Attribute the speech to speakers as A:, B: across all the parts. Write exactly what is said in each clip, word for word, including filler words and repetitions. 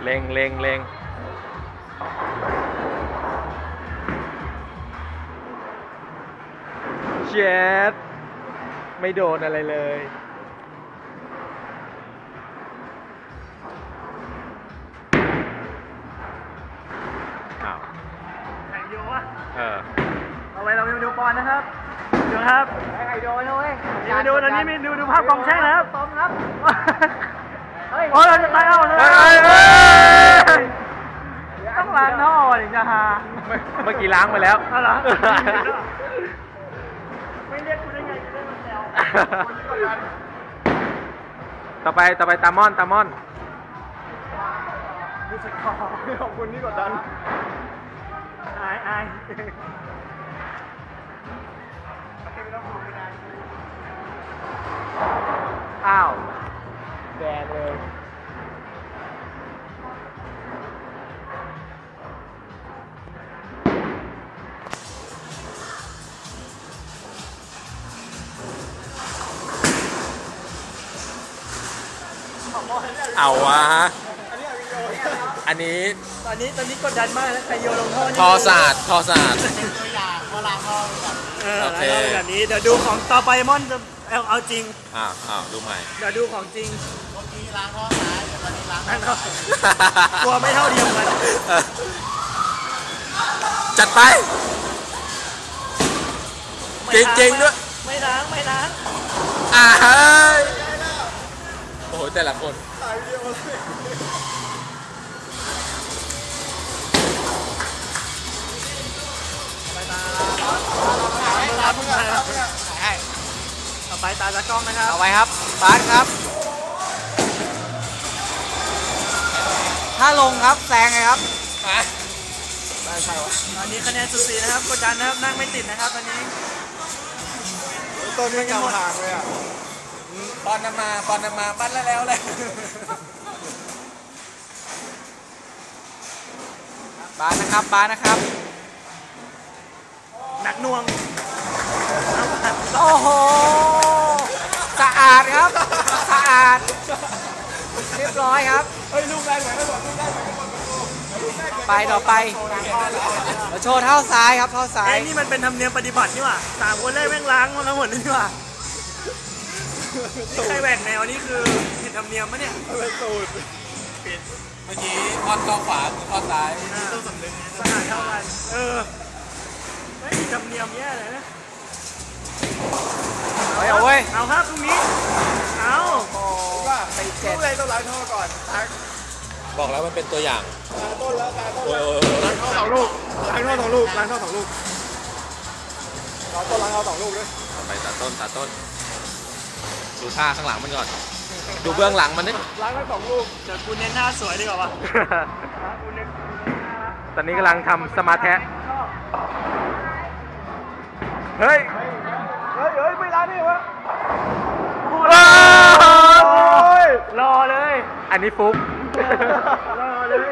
A: เล็งเล็งเล็งเจ็ดไม่โดนอะไรเลยอ้าว
B: ไข่โยวะ
A: เออ
B: เอาไว้เราไปดูบอลนะครับดูครับไข่โยนเลยมาดูตอนนี้มีดูดูภาพกองแช่งนะครับตอมครับโอ้ยเราจะตายเอาเลยต้องล้างท่อถึงจะหา
A: เมื่อกี้ล้างไปแล้ว
B: ไม่เรียกกูได้ไงกูได้มาแซว
A: ต่อไปต่อไปตามอนตามอน
B: รู้สึกขอบขอบคุณที่กดดันอายอาย
A: อ้าวแดงเลยเอาวะอันนี้
B: ตอนนี้ตอนนี้กดดันมากแล้วใครโยนลงท่อ
A: ทอศาสตร์ทอศาสตร์
B: ตัวอย่างเวลาท่อแบบเออแบบนี้เดี๋ยวดูของต่อไปมอนจะเอาเอาจริง
A: อ้าวอ้าวดูใหม่
B: เดี๋ยวดูของจริงเมื่อกี้ล้างท่อซ้ายแต่ตอนนี้ล้างท่อตัวไม่เท่าเดียวกัน
A: จัดไปจริงจริงด้วย
B: ไม่ล้างไม่ล้าง
A: อ่าเฮ้ยโอ้โหแต่ละคน
B: ต่อไปตาตากล้องนะครับ
A: เอาไว้ครับบาสครับถ้าลงครับแซงไงครับ
B: ตอนนี้คะแนนสุดสีนะครับกดดันนะครับนั่งไม่ติดนะครับตอนนี้
A: ต้นนี้กำห่างเลยอ่ะปอนนำมาปอนนำมาปั้นแล้วแล้วเลยบาสนะครับบาสนะครับ
B: หนักหน่วง
A: โอ้โหสะอาดครับสะอาดเรียบร้อยครับ
B: เฮ้ยลูกได้ไหมไม่บอกลูกได้ไหม
A: ไปต่อไปเราโชว์เท้าซ้ายครับเท้าซ้าย
B: ไอ้นี่มันเป็นธรรมเนียมปฏิบัตินี่หว่าสามคนแรกแม่งล้างมาแล้วหมดเลยนี่หว่าใครแหวกแนวนี่คือผิดธรรมเนียมปะเนี่ย
A: เป็นสูตรผิดเมื่อกี้ทอดก้อขวาคือทอดซ้าย
B: ต้องสำนึกสะอาดเท่ากันเออไม่ผิดธรรมเนียมแย่เลยนะ
A: เอาเว้ย
B: เอาครับตรงนี้เอา
A: ว่าไปเจ็ด
B: เลยต้องล้างท่อก่อน
A: บอกแล้วมันเป็นตัวอย่าง
B: ต้นแล้วล้างท่อสองลูกล้างท่อสองลูกล้างท่อสองลูกเราต้นล้างท่อสองลูกด้วย
A: ไปตัดต้นตัดต้นดูท่าข้างหลังมันก่อนดูเบื้องหลังมันนี่
B: ล้างท่อสองลูกเดี๋ยวกูเน้นหน้าสวยดีกว่าป่ะ
A: ตอนนี้กำลังทำสมาร์ทแทะเฮ้ย
B: เฮ้ยเฮ้ยไม่ล้างนี่วะรอเลย
A: อันนี้ฟุ๊ก
B: รอเลย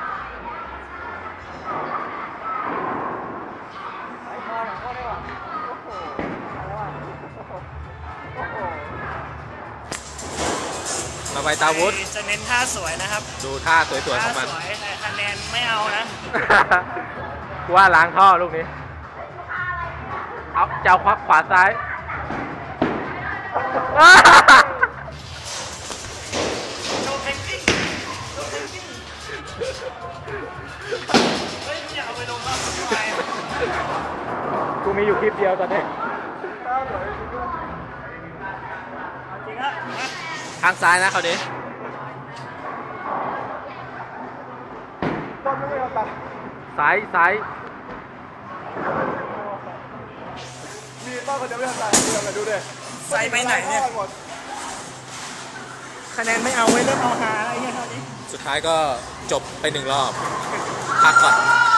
A: มาไปตาวุฒ
B: จะเน้นท่าสวยนะครับ
A: ดูท่าสวยๆของมัน
B: ท่าสวยแต่คะแนนไม่เอานะ
A: ว่าล้างท่อลูกนี้เอาเจ้าควักขวาซ้าย
B: โชว์เทคนิคโชว์เทคนิคเฮ้ยอยากเอาไปลงบ้างทำไม
A: กูมีอยู่คลิปเดียวตอนนี้
B: จริงฮะ
A: ทางซ้ายนะเขาดิซ้ายซ้าย
B: มีป้าคนเดียวไม่ทำอะไรเดียวกันดูดิใส่ไปไหนเนี่ยคะแนนไม่เอาไว้เริ่มเอาหาอะไรเงี้ยตอนนี้
A: สุดท้ายก็จบไปหนึ่งรอบพักก่อน